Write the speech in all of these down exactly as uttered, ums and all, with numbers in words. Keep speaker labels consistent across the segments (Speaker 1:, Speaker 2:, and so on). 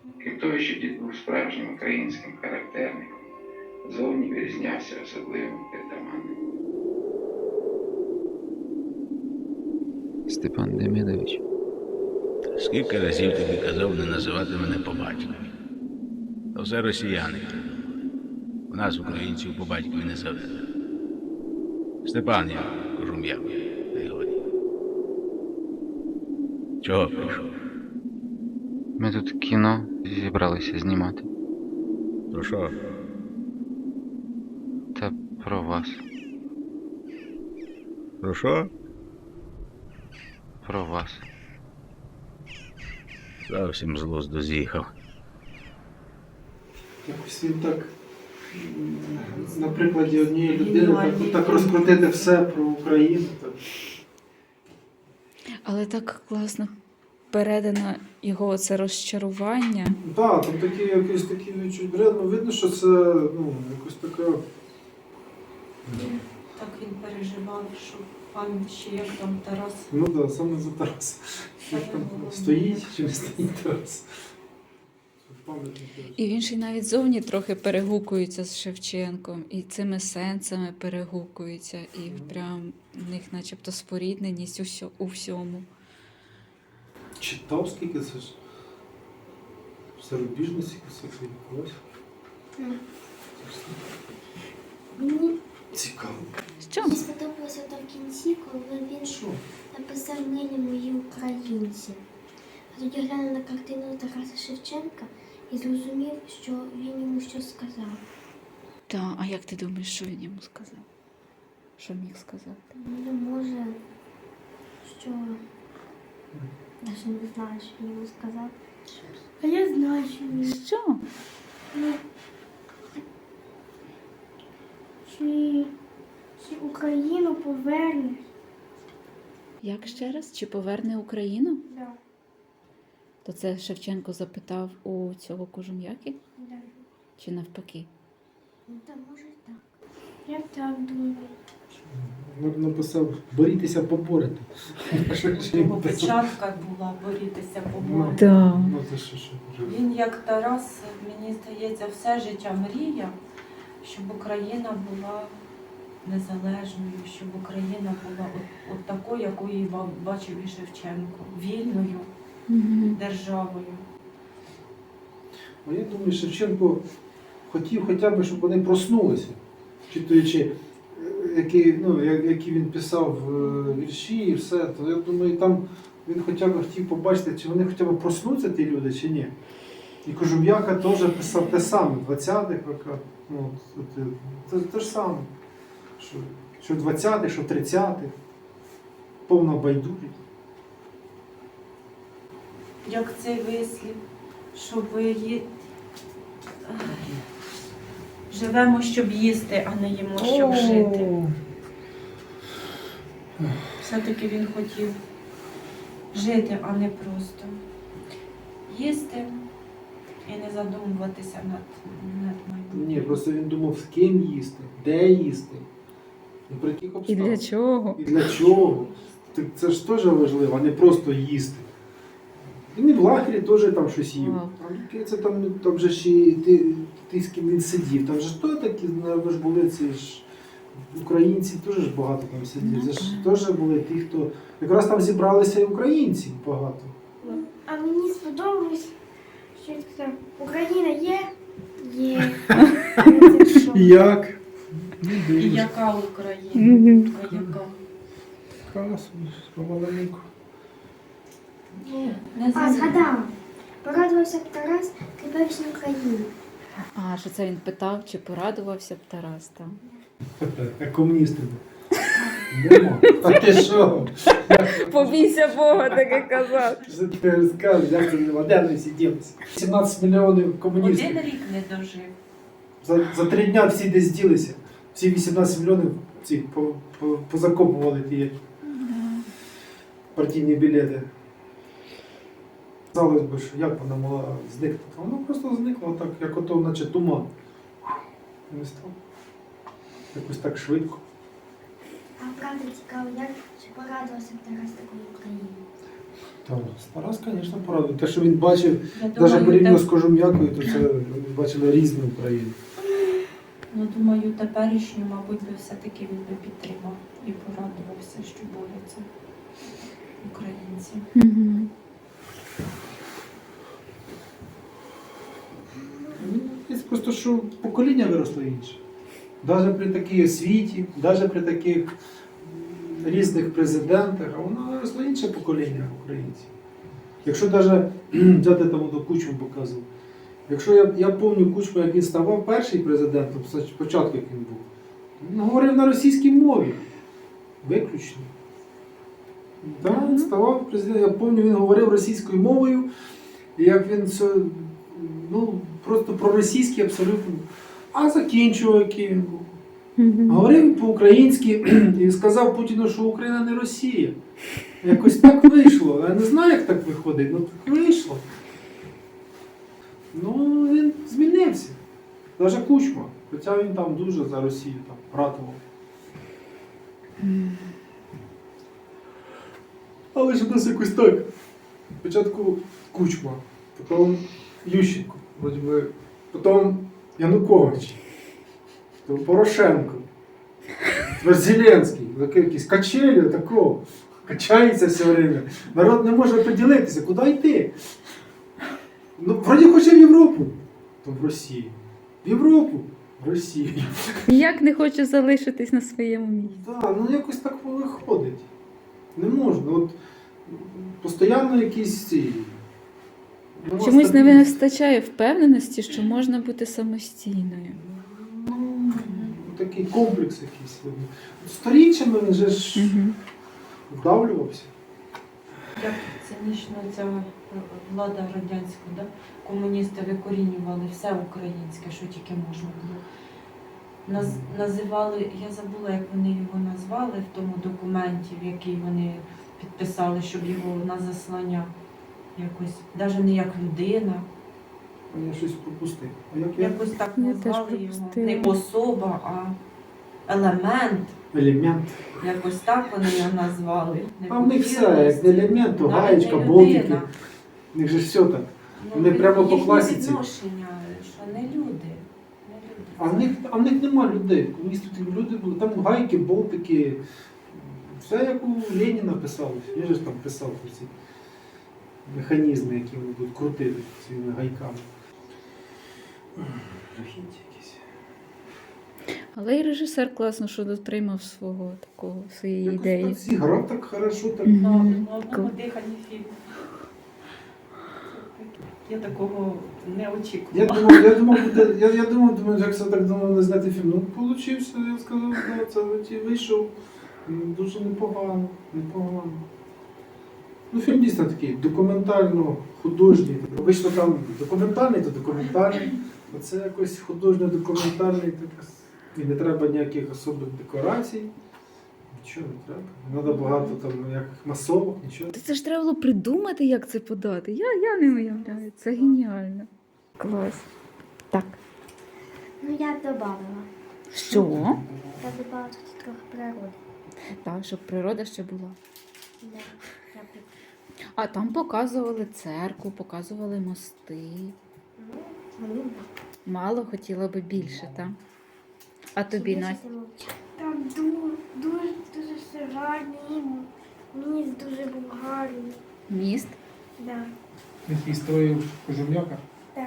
Speaker 1: Крім того, що дід був справжнім українським характерником, зовні вирізнявся особливим притаманним.
Speaker 2: Степан Демидович.
Speaker 3: Скільки разів тобі казав не називати мене по батькові? То все росіяни. У нас, українців, по батькові не заведено. Степан, я Кожум'як, не годі. Чого прийшов?
Speaker 2: Ми тут кіно зібралися знімати.
Speaker 3: Про що?
Speaker 2: Та про вас.
Speaker 3: Про що?
Speaker 2: Про вас.
Speaker 3: Зовсім з глузду з'їхав.
Speaker 4: Якось він так, м, на прикладі однієї людини, так, так розкрутити все про Україну. Так.
Speaker 5: Але так класно передано його це розчарування.
Speaker 4: Так, там такі якісь такі відчуття. Ну, видно, що це ну, якось така.
Speaker 6: Так він переживав, що пам'ять ще як там Тарас.
Speaker 4: Ну так, да, саме за Тарас.
Speaker 6: Саме
Speaker 4: Там
Speaker 6: головне.
Speaker 4: стоїть чи не стоїть Тарас. Пам'ятник.
Speaker 5: І він ще й навіть зовні трохи перегукується з Шевченком, і цими сенсами перегукується, і прям в них начебто спорідненість у, сьо- у всьому.
Speaker 4: Читав скільки це ж. Зарубіжно скільки це відбулось.
Speaker 7: Мені
Speaker 4: Цікаво.
Speaker 5: Що?
Speaker 7: мені сподобалося то в кінці, коли він
Speaker 4: Що?
Speaker 7: написав «Милі мої українці». А тоді глянув на картину Тараса Шевченка і зрозумів, що він йому щось сказав.
Speaker 5: Та, а як ти думаєш, що він йому сказав? Що міг сказати?
Speaker 7: Ну, може, що... Навіть не знаю, що він йому сказав. А я знаю, що він...
Speaker 5: Що?
Speaker 7: Ну, чи, чи Україну повернеш?
Speaker 5: Як ще раз? Чи поверне Україну?
Speaker 7: Да,
Speaker 5: То це Шевченко запитав у цього Кожум'яки?
Speaker 7: да.
Speaker 5: Чи навпаки?
Speaker 7: Ну, та може і так. Я так думаю.
Speaker 4: Написав, борітеся поборете.
Speaker 6: Його печатка була борітися поборити.
Speaker 5: Так.
Speaker 4: Ну, це що, що вже.
Speaker 6: Він, як Тарас, мені здається, все життя мріяв, щоб Україна була незалежною, щоб Україна була от, от такою, якою її ба- бачив і Шевченко, вільною
Speaker 5: Угу.
Speaker 6: державою.
Speaker 4: А я думаю, Шевченко хотів хоча б, щоб вони проснулися, читаючи, е, які, ну, я- які він писав е, вірші і все, то я думаю, там він хоча б хотів побачити, чи вони хоча б проснуться, ті люди, чи ні. І Кожум'яка теж писав те саме, в двадцятих роках. Ну, от, е, це те ж саме. Що, що в двадцятих, що в тридцятих. Повна байдужість.
Speaker 6: Як цей вислів, щоб ї... живемо, щоб їсти, а не їмо, щоб жити. Все-таки він хотів жити, а не просто їсти і не задумуватися над, над майбутнім.
Speaker 4: Ні, просто він думав, з ким їсти, де їсти, і при яких
Speaker 5: І
Speaker 4: обставинах.
Speaker 5: для чого?
Speaker 4: І для чого? Так це ж теж важливо, а не просто їсти. Він і в лагері теж там щось їв.
Speaker 5: Вау.
Speaker 4: А яке це там, там же ж і ти, ти з ким він сидів. Там же ж то такі, напевно, ж були ці ж українці, теж ж багато там сидів. Це ж теж були ті, хто. Якраз там зібралися і українці багато.
Speaker 7: А мені сподобалось, що він сказав, Україна є? Є.
Speaker 4: Як?
Speaker 6: І яка Україна? Така яка?
Speaker 4: Красу, помаленьку.
Speaker 6: Не
Speaker 7: А,
Speaker 6: знаю.
Speaker 7: згадала. Порадувався б Тарас теперішній Україні.
Speaker 5: А, що це він питав, чи порадувався б Тарас там?
Speaker 4: А комуністи. Нема. А ти що?
Speaker 5: Побійся Бога, таке казав.
Speaker 4: Що ти розказуєш, як це нема? Де вони сиділися? сімнадцять мільйонів комуністів.
Speaker 6: Один рік не дожив.
Speaker 4: За, за три дня всі десь ділися. Всі вісімнадцять мільйонів ці по, по, позакопували ті партійні білети. Казалось би, що як вона могла зникнути? Вона просто зникла так, як ото, наче туман. Не став. Якось так швидко.
Speaker 7: А правда цікаво, як чи порадувався б Тарас такої Україні?
Speaker 4: Так, Тарас, звісно, правда. Те, що він бачив,
Speaker 6: Я
Speaker 4: навіть
Speaker 6: думаю,
Speaker 4: порівняно
Speaker 6: те-
Speaker 4: з Кожум'якою, то це вони бачили різну Україну.
Speaker 6: ну, думаю, теперішню, мабуть, би все-таки він би підтримав і порадувався, що борються українці.
Speaker 5: Угу.
Speaker 4: Це просто що покоління виросло інше. Навіть при такій освіті, навіть при таких м, різних президентах, а воно виросло інше покоління українців. Якщо навіть взяти там до Кучму показував. Якщо я, я пам'ятаю Кучму, як він ставав перший президентом, спочатку як він був, він говорив на російській мові. Виключно. Так, він ставав президентом. Я пам'ятаю, він говорив російською мовою, і як він все, ну, просто проросійський абсолютно. А закінчував, який він був. Говорив по-українськи і сказав Путіну, що Україна не Росія. Якось так вийшло. Я не знаю, як так виходить, але так вийшло. Ну, він змінився. Навіть Кучма. Хоча він там дуже за Росію там ратував. Але ж у нас якось так. Спочатку Кучма, потім Ющенко, вроді би, потім Янукович, потім Порошенко, тепер Зеленський, такий якийсь качелі такого, качається все время. Народ не може поділитися, куди йти. Ну, вроді хоче в Європу, то в Росію. В Європу, в Росію.
Speaker 5: Ніяк не хочу залишитись на своєму місці.
Speaker 4: Так, ну якось так виходить. Не можна. От постійно якісь ці. нема
Speaker 5: Чомусь не
Speaker 4: стабільності.
Speaker 5: вистачає впевненості, що можна бути самостійною.
Speaker 4: Ну, такий комплекс якийсь. Сторіччями він же ж
Speaker 5: Угу.
Speaker 4: вдавлювався.
Speaker 6: Як цинічно ця влада радянська, да? Комуністи викорінювали все українське, що тільки можна було. Наз, називали, я забула, як вони його назвали в тому документі, в який вони підписали, щоб його на заслання якось, навіть не як людина,
Speaker 4: А я щось пропустив. А як я?
Speaker 6: якось так
Speaker 5: Я теж
Speaker 6: назвали його.
Speaker 5: пропустила.
Speaker 6: Не особа, а елемент.
Speaker 4: Елемент.
Speaker 6: Якось так вони його назвали. Не
Speaker 4: А в них все,
Speaker 6: хотілося.
Speaker 4: як не елемент, то
Speaker 6: Навіть
Speaker 4: гаєчка,
Speaker 6: не
Speaker 4: болтики.
Speaker 6: людина.
Speaker 4: В них же ж все так.
Speaker 6: Ну,
Speaker 4: Вони прямо по
Speaker 6: їхнє
Speaker 4: класиці.
Speaker 6: відношення, що не люди. Не люди.
Speaker 4: А в них, а в них нема людей. Комуністів такі люди були. Там гайки, болтики. Все як у Леніна писалось. Він же ж там писав про ці механізми, які вони будуть крутити своїми гайками. Жахіття якісь.
Speaker 5: Але і режисер класно, що дотримав свого такого, своєї
Speaker 4: Якось
Speaker 5: ідеї.
Speaker 4: так зіграв так хорошо, так.
Speaker 5: Мгм.
Speaker 6: На, на одному
Speaker 5: Кл-
Speaker 6: диханні фільм. Я такого не
Speaker 4: Я
Speaker 6: очікувала.
Speaker 4: думав, я думав, буде, я, я думав, думаю, як це так думав, не зняти фільм. Ну, получився, я сказав, да, це ті вийшов. М, Дуже непогано, непогано. Ну, фільм дійсно такий документально-художній. Обично там документальний, то документальний. А це якось художньо-документальний. так, І не треба ніяких особливих декорацій. Нічого не треба. Не треба багато там ніяких масовок, нічого.
Speaker 5: Та це ж треба було придумати, як це подати. Я, я не уявляю. Це геніально. Клас. Так.
Speaker 7: Ну, я б додавала.
Speaker 5: Що?
Speaker 7: Я б додавала тут трохи природи.
Speaker 5: Так, щоб природа ще була.
Speaker 7: Да. Я б...
Speaker 5: А там показували церкву, показували мости.
Speaker 7: Ну, мені б.
Speaker 5: Мало хотіла би більше, так? А тобі,
Speaker 7: Більше
Speaker 5: Настя?
Speaker 7: ти мовчала. Там дуже, дуже, дуже все гарний. Міст дуже був гарний.
Speaker 5: Міст?
Speaker 7: Да.
Speaker 4: Який строїв Кожум'яка.
Speaker 7: Так.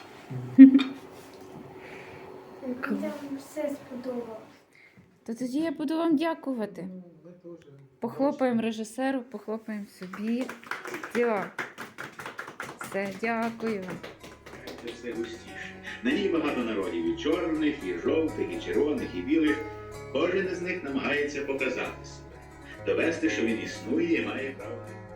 Speaker 7: Мені там все сподобалось.
Speaker 5: То тоді я буду вам дякувати. Похлопаємо режисеру, похлопаємо собі. Дякую. Все, дякую.
Speaker 8: Це все густіше. На ній багато народів, і чорних, і жовтих, і червоних, і білих. Кожен із них намагається показати себе, довести, що він існує і має право.